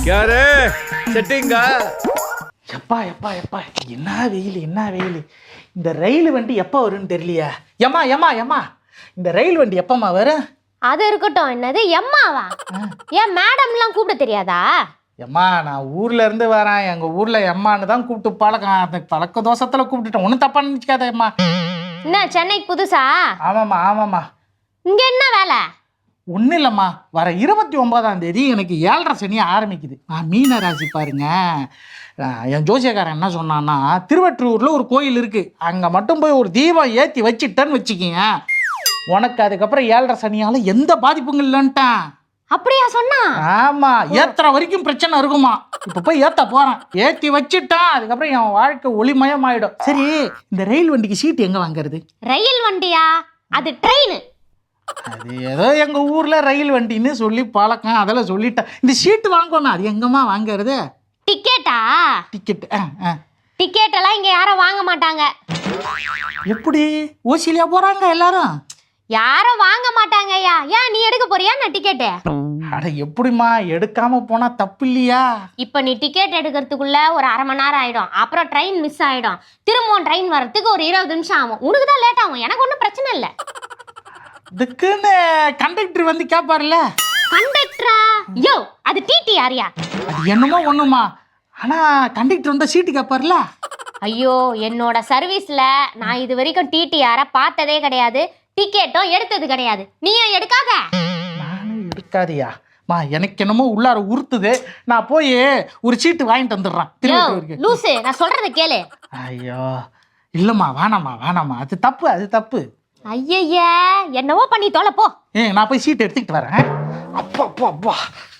யாரு செட்டிங்கா? எப்பா எப்பா எப்பா என்ன வெயில் என்ன வெயில். இந்த ரயில் வண்டி எப்போ வரும்னு தெரியலையா? ஏம்மா ஏம்மா ஏம்மா இந்த ரயில் வண்டி எப்பம்மா வரும்? அது இருக்கட்டும், என்னது எம்மாவா? ஏன் மேடம்லாம் கூப்பிட தெரியாதா? எம்மா நான் ஊர்ல இருந்து வரேன், எங்க ஊர்ல எம்மான்னு தான் கூப்பிட்டு பழக்கம். அந்த பழக்க தோசத்துல கூப்பிட்டுட்டேன், ஒன்றும் தப்பா நினைச்சுக்காத எம்மா. என்ன சென்னைக்கு புதுசா? ஆமாம்மா ஆமாம்மா. இங்க என்ன வேலை? ஒன்றும் இல்லைம்மா, வர 29ஆம் தேதி எனக்கு 7.5 சனி ஆரம்பிக்குது. மீன ராசி பாருங்க. என் ஜோசியக்காரன் என்ன சொன்னான்னா, திருவற்றூரில் ஒரு கோயில் இருக்குது, அங்கே மட்டும் போய் ஒரு தீபம் ஏற்றி வச்சுட்டேன்னு வச்சுக்கிங்க, உனக்கு அதுக்கப்புறம் 7.5 சனியால் எந்த பாதிப்பும் இல்லைன்ட்டான். அப்படியா சொன்னா? ஆமாம், ஏற்றுற வரைக்கும் பிரச்சனை இருக்குமா. இப்போ போய் ஏற்ற போகிறேன், ஏற்றி வச்சுட்டான், அதுக்கப்புறம் என் வாழ்க்கை ஒளிமயம் ஆகிடும். சரி, இந்த ரயில் வண்டிக்கு சீட்டு எங்கே வாங்குறது? ரயில் வண்டியா? அது ட்ரெயின். அது ஏதோ எங்கள் ஊரில் ரயில் வண்டின்னு சொல்லி பழக்கம், அதெல்லாம் சொல்லிட்டேன். இந்த சீட்டு வாங்கணும், அது எங்கம்மா வாங்குறது? டிக்கெட்டா? டிக்கெட் டிக்கெட் எல்லாம் இங்க யாரும் வாங்க மாட்டாங்க. எப்படி ஓசிலியா போறாங்க எல்லாரும்? யாரும் வாங்க மாட்டாங்க. ஐயா, ஏன் நீ எடுக்க போறியா நான் டிக்கெட்டு? அட எப்படிமா, எடுக்காம போனா தப்பு இல்லையா? இப்ப நீ டிக்கெட் எடுக்கிறதுக்குள்ள ஒரு 1/2 மணி நேரம் ஆயிடும், அப்புறம் ட்ரெயின் மிஸ் ஆயிடும், திரும்பவும் ட்ரெயின் வரதுக்கு ஒரு 20 நிமிஷம் ஆகும். உனக்கு தான் லேட் ஆகும், எனக்கு ஒன்றும் பிரச்சனை இல்லை. இதுக்குன்னு கண்டக்டர் வந்து கேட்பாருல்ல. கண்டக்டரா? யோ, அது டிடி யாரியா? அது என்னமோ ஒண்ணுமா, ஆனா கண்டக்டர் வந்தா சீட்டு கேட்பாருல்ல. ஐயோ, என்னோட சர்வீஸ்ல நான் இது வரைக்கும் டிடிஆரை பார்த்ததே கிடையாது, டிக்கெட்டும் எடுத்தது கிடையாது. நீயும் எடுக்காத. நானும் எடுக்காதியா மா, எனக்கு என்னமோ உள்ளார உறுத்துது. நான் போய் ஒரு சீட்டு வாங்கிட்டு வந்துடுறேன். லூசு, நான் சொல்றத கேளு. ஐயோ இல்லம்மா, வேணாம்மா வேணாம்மா, அது தப்பு அது தப்பு. ஐயய்யா, என்னவோ பண்ணி தொலை போ. நான் போய் சீட் எடுத்துக்கிட்டு வரேன். அப்பா அப்பா அப்பா.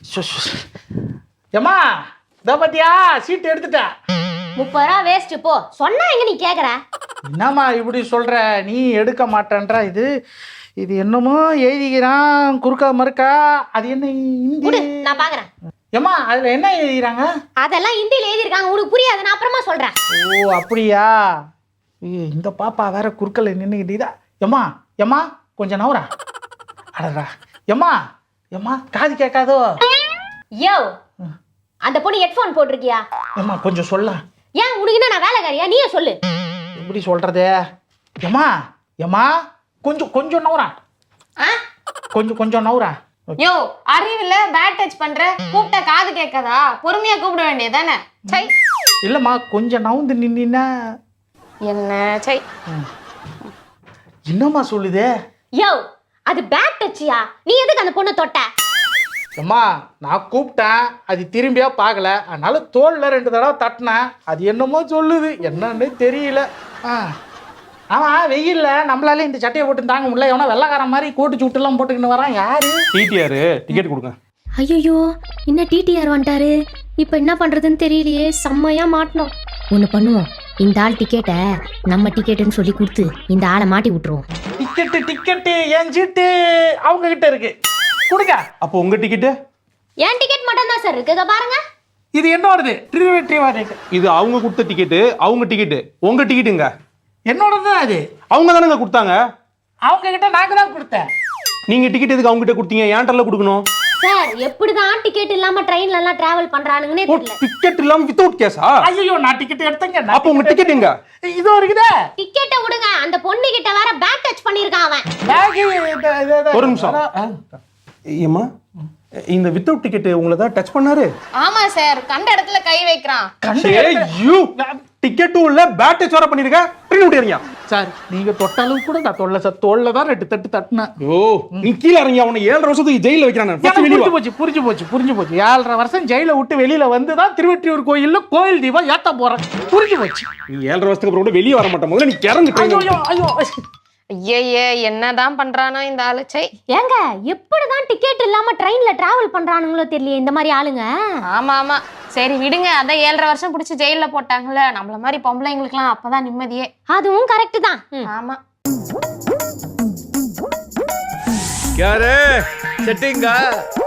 ஏம்மா இதோ பாத்தியா, சீட் எடுத்துட்டேன். 30 ரூபா வேஸ்ட் போ. சொன்னா எங்க நீ கேக்குற? என்னம்மா இப்படி சொல்ற, நீ எடுக்க மாட்டேன்ற. இது இது என்னமோ எழுதிக்கிறான் குறுக்கா மறுக்கா, அது என்ன விடு, ஹிந்தி? நான் பாக்குறேன். ஏம்மா அதுல என்ன எழுதிக்கிறாங்க? அதெல்லாம் ஹிந்தில எழுதிருக்காங்க, உனக்கு புரியாது, நான் அப்புறமா சொல்றேன். ஓ அப்படியா? இந்த பாப்பா வேற குறுக்கல நின்னுக்கிட்டீதா. எம்மா எம்மா கொஞ்சம் நவரா. அடடா எம்மா எம்மா, காது கேட்காதோ? யோ, அந்த பொண்ணு ஹெட்போன் போட்டிருக்கியா? எம்மா கொஞ்சம் சொல்ல. ஏன் உனக்கு என்ன, நான் வேலைக்காரியா? நீயே சொல்லு. எப்படி சொல்றது? எம்மா எம்மா கொஞ்சம் கொஞ்சம் நவரா, கொஞ்சம் நவரா. யோ, அறிவில்ல பேட் டச் பண்ற, கூப்பிட்ட காது கேட்காதா? பொறுமையா கூப்பிட வேண்டியதானே? சை, இல்லம்மா கொஞ்சம் நவுந்து நின்னா. என்ன சை, என்னம்மா சொல்லுதே? யோ, அது பேட் டச்சியா? நீ எதுக்கு அந்த பொண்ணை தொட்ட? அம்மா நான் கூப்பிட்டேன், அது திரும்பியா பார்க்கல, அதனால தோல்ல 2 தடவை தட்டினேன். அது என்னமோ சொல்லுது, என்னன்னு தெரியல. ஆமாம், வெயில்ல நம்மளால இந்த சட்டையை போட்டு தாங்க முடியல. எவனா வெள்ளைக்காரன் மாதிரி கோட்டு சுட்டுலாம் போட்டுக்கின்னு வரான். யாரு? டிடிஆர் டிக்கெட் கொடுங்க. ஐயோ, என்ன டிடிஆர் வந்துட்டாரு, இப்போ என்ன பண்றதுன்னு தெரியலையே. செம்மையா மாட்டணும். ஒன்று பண்ணுவோம், இந்த ஆள் டிக்கெட்டை நம்ம டிக்கெட்டுன்னு சொல்லி கொடுத்து இந்த ஆளை மாட்டி விட்டுருவோம். டிக்கெட்டு என் சீட்டு அவங்க கிட்ட இருக்கு, கொடுங்க. அப்போ உங்க டிக்கெட்டு? என் டிக்கெட் மட்டும் தான் சார் இருக்கு, இதை பாருங்க. இது என்னோடது, இது அவங்க கொடுத்த டிக்கெட்டு, அவங்க டிக்கெட்டு. உங்க டிக்கெட்டுங்க? என்னோடது தான் அது. அவங்க தானங்க கொடுத்தாங்க. அவங்க கிட்ட நாங்க தான் கொடுத்தேன். நீங்க டிக்கெட் எதுக்கு அவங்க கிட்ட கொடுத்தீங்க? ஏன்டர்ல கொடுக்கணும் சார். எப்படிதான் டிக்கெட் இல்லாம ட்ரெயின்ல எல்லாம் டிராவல் பண்றானுங்கன்னே தெரியல. டிக்கெட் இல்லாம வித்தவுட் கேஸா? ஐயோ, நான் டிக்கெட் எடுத்தேங்க. அப்ப உங்க டிக்கெட் எங்க? இதோ இருக்குதே. டிக்கெட்டை விடுங்க, அந்த பொண்ணு கிட்ட வேற பேக் டச் பண்ணிருக்கான் அவன். ஒரு நிமிஷம். ஏம்மா, இந்த வித்தவுட் டிக்கெட் உங்களை தான் டச் பண்ணாரு? ஆமா சார், கண்ட இடத்துல கை வைக்கிறான். டிக்கெட்டும் இல்ல, பேட் டச் வர பண்ணிருக்க. ட்ரெயின் விட்டுறீங்க சார். நீங்க தொட்ட அளவுக்கு கூட நான் தொல்ல சார், தோல்ல தான் 2 தட்டு தட்டினேன். ஓ, நீ கீழ இறங்கி அவனை 7.5 வருஷத்துக்கு ஜெயில வைக்கிறான். புரிஞ்சு போச்சு. 7.5 வருஷம் ஜெயில விட்டு வெளியில வந்துதான் திருவெற்றியூர் கோயில்ல கோயில் தீபம் ஏத்த போறேன். புரிஞ்சு போச்சு. நீ 7.5 வருஷத்துக்கு அப்புறம் கூட வெளியே வர மாட்டேன். முதல்ல நீ கிறங்கு. ஐயோ ஐயே, என்னதான் பண்றானோ இந்த ஆளு. சை, ஏங்க, எப்படிதான் டிக்கெட் இல்லாம ட்ரெயின்ல டிராவல் பண்றானுங்களோ தெரியல இந்த மாதிரி ஆளுங்க. ஆமா ஆமா, சரி விடுங்க. அதான் 7.5 வருஷம் பிடிச்சி ஜெயில போட்டாங்கல்ல, நம்மள மாதிரி பொம்பளைங்களுக்குலாம் அப்பதான் நிம்மதியே. அதுவும் கரெக்ட் தான். ஆமா. யாரு செட்டிங்கா?